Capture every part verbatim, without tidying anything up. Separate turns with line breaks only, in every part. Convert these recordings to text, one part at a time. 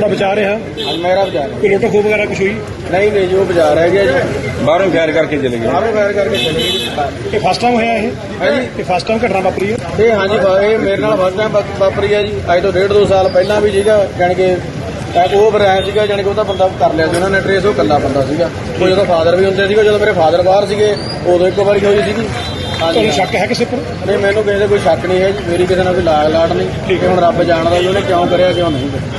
ਤੁਹਾਡਾ ਵਿਚਾਰ ਰਿਹਾ
ਅੱਜ ਮੇਰਾ ਬਾਜ਼ਾਰ
ਕੋਈ ਲੁੱਟ ਖੋਹ ਵਗੈਰਾ ਕੁਛ ਹੋਈ?
ਨਹੀਂ ਨਹੀਂ ਜੋ ਬਾਜ਼ਾਰ ਹੈ ਗਿਆ ਜੀ
ਬਾਹਰੋਂ ਫਾਇਰ ਕਰਕੇ ਚਲੇ ਗਏ।
ਬਾਹਰੋਂ ਫਾਇਰ ਕਰਕੇ ਚਲੇ ਗਏ ਜੀ।
ਇਹ ਫਸਟ ਟਾਈਮ ਹੋਇਆ ਇਹ
ਹਾਂਜੀ
ਇਹ ਫਸਟ ਟਾਈਮ ਘਟਨਾ ਵਾਪਰੀ ਹੈ?
ਇਹ ਹਾਂਜੀ ਵਾ- ਇਹ ਮੇਰੇ ਨਾਲ ਫਸਟ ਟਾਈਮ ਵਾਪਰੀ ਹੈ ਜੀ। ਅੱਜ ਤੋਂ ਡੇਢ ਦੋ ਸਾਲ ਪਹਿਲਾਂ ਵੀ ਸੀਗਾ ਜਾਣੀ ਕਿ ਇੱਕ ਉਹ ਬਰਾਇਆ ਸੀਗਾ ਜਾਣੀ ਕਿ ਉਹਦਾ ਬੰਦਾ ਕਰ ਲਿਆ ਸੀ ਉਹਨਾਂ ਨੇ ਟਰੇਸ। ਉਹ ਇਕੱਲਾ ਬੰਦਾ ਸੀਗਾ। ਉਹ ਜਦੋਂ ਫਾਦਰ ਵੀ ਹੁੰਦੇ ਸੀਗੇ, ਜਦੋਂ ਮੇਰੇ ਫਾਦਰ ਬਾਹਰ ਸੀਗੇ ਉਦੋਂ ਇੱਕ ਵਾਰੀ ਹੋਈ ਸੀਗੀ। ਹਾਂਜੀ
ਤੁਹਾਨੂੰ ਸ਼ੱਕ ਹੈ ਕਿਸੇ ਪਰ?
ਨਹੀਂ ਮੈਨੂੰ ਕਿਸੇ ਦਾ ਕੋਈ ਸ਼ੱਕ ਨਹੀਂ ਹੈ ਜੀ। ਮੇਰੀ ਕਿਸੇ ਨਾਲ ਕੋਈ ਲਾਗ ਲਾਟ ਨਹੀਂ। ਠੀਕ ਹੈ ਹੁਣ ਰੱਬ ਜਾਣਦਾ ਜੀ ਉਹਨੇ ਕਿਉਂ ਕਰਿਆ ਕਿਉਂ ਨਹੀਂ ਕਰਿਆ।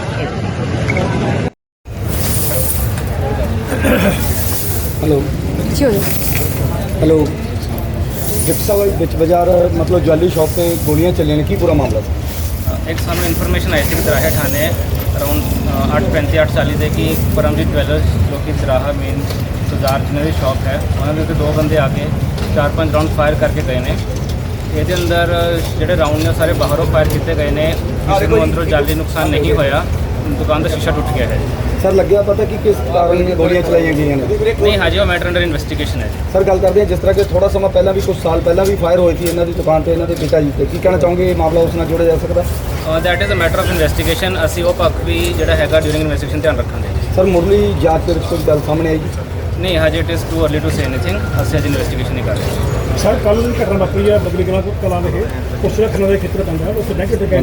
हेलो
जी
हेलो ਗਿਫਟ ਵਿੱਚ ਬਾਜ਼ਾਰ ਮਤਲਬ ਜਵੈਲਰੀ ਸ਼ਾਪ ਤੇ ਗੋਲੀਆਂ ਚੱਲੀਆਂ ਨੇ, ਕੀ ਪੂਰਾ ਮਾਮਲਾ ਸੀ?
ਇੱਕ ਸਾਨੂੰ ਇਨਫੋਰਮੇਸ਼ਨ ਆਈ ਸੀ ਕਿ ਦਰਾਹਾ ਥਾਣੇ ਅਰਾਊਂਡ ਅੱਠ ਪੈਂਤੀ ਅੱਠ ਚਾਲੀ ਦੇ ਕਿ ਪਰਮਜੀਤ ਜਵੈਲਰਸ ਜੋ ਕਿ ਦਰਾਹਾ ਮੇਨ ਬਾਜ਼ਾਰ ਜਿਹਨਾਂ ਦੀ ਸ਼ਾਪ ਹੈ, ਉਹਨਾਂ ਦੇ ਉੱਤੇ ਦੋ ਬੰਦੇ ਆ ਕੇ ਚਾਰ ਪੰਜ ਰਾਊਂਡ ਫਾਇਰ ਕਰਕੇ ਗਏ ਨੇ। ਇਹਦੇ ਅੰਦਰ ਜਿਹੜੇ ਰਾਊਂਡ ਨੇ ਸਾਰੇ ਬਾਹਰੋਂ ਫਾਇਰ ਕੀਤੇ ਗਏ ਨੇ। ਕਿਸੇ ਨੂੰ ਅੰਦਰੋਂ ਜਾਨੀ ਨੁਕਸਾਨ ਨਹੀਂ ਹੋਇਆ। ਦੁਕਾਨ ਦਾ ਸ਼ੀਸ਼ਾ ਟੁੱਟ ਗਿਆ ਹੈ।
ਸਰ ਲੱਗਿਆ ਪਤਾ ਕਿ ਕਿਸ ਕਾਰਨ ਗੋਲੀਆਂ ਚਲਾਈਆਂ ਗਈਆਂ ਨੇ?
ਨਹੀਂ ਹਜੇ ਉਹ ਮੈਟਰ ਅੰਡਰ ਇਨਵੈਸਟੀਗੇਸ਼ਨ ਹੈ।
ਸਰ ਗੱਲ ਕਰਦੇ ਹਾਂ ਜਿਸ ਤਰ੍ਹਾਂ ਕਿ ਥੋੜਾ ਸਮਾਂ ਪਹਿਲਾਂ ਵੀ ਕੁਝ ਸਾਲ ਪਹਿਲਾਂ ਵੀ ਫਾਇਰ ਹੋਈ ਸੀ ਇਹਨਾਂ ਦੀ ਦੁਕਾਨ ਤੇ, ਇਹਨਾਂ ਦੇ ਪਿਤਾ ਜੀ ਤੇ, ਕੀ ਕਹਿਣਾ ਚਾਹੋਗੇ ਇਹ ਮਾਮਲਾ ਉਸ ਨਾਲ ਜੋੜਿਆ ਜਾ ਸਕਦਾ?
That is a matter of investigation. ਅਸੀਂ ਉਹ ਪੱਖ ਵੀ ਜਿਹੜਾ ਹੈਗਾ ਡਿਊਰਿੰਗ ਇਨਵੈਸਟੀਗੇਸ਼ਨ ਧਿਆਨ ਰੱਖਾਂਗੇ।
ਸਰ ਮੁਰਲੀ ਜਾਂਚ ਦੇ ਵਿੱਚ ਕੋਈ ਗੱਲ ਸਾਹਮਣੇ ਆਈ ਜੀ?
ਨਹੀਂ ਹਜੇ it is too early to say anything. ਅਸੀਂ ਅਜੇ ਇਨਵੈਸਟੀਗੇਸ਼ਨ ਨਹੀਂ ਕਰ ਰਹੇ।
ਸਰ ਕੱਲ੍ਹ ਦੀ ਘਟਨਾ ਵਾਪਰੀ ਹੈ ਬਦਲੀ ਕਲਾਂ ਕਲਾਂ ਦੇ ਕੁਛ ਰੱਖਣ ਦੇ ਖੇਤਰ ਪੈਂਦਾ ਹੈ, ਉਸ ਬੈਂਕ ਤੇ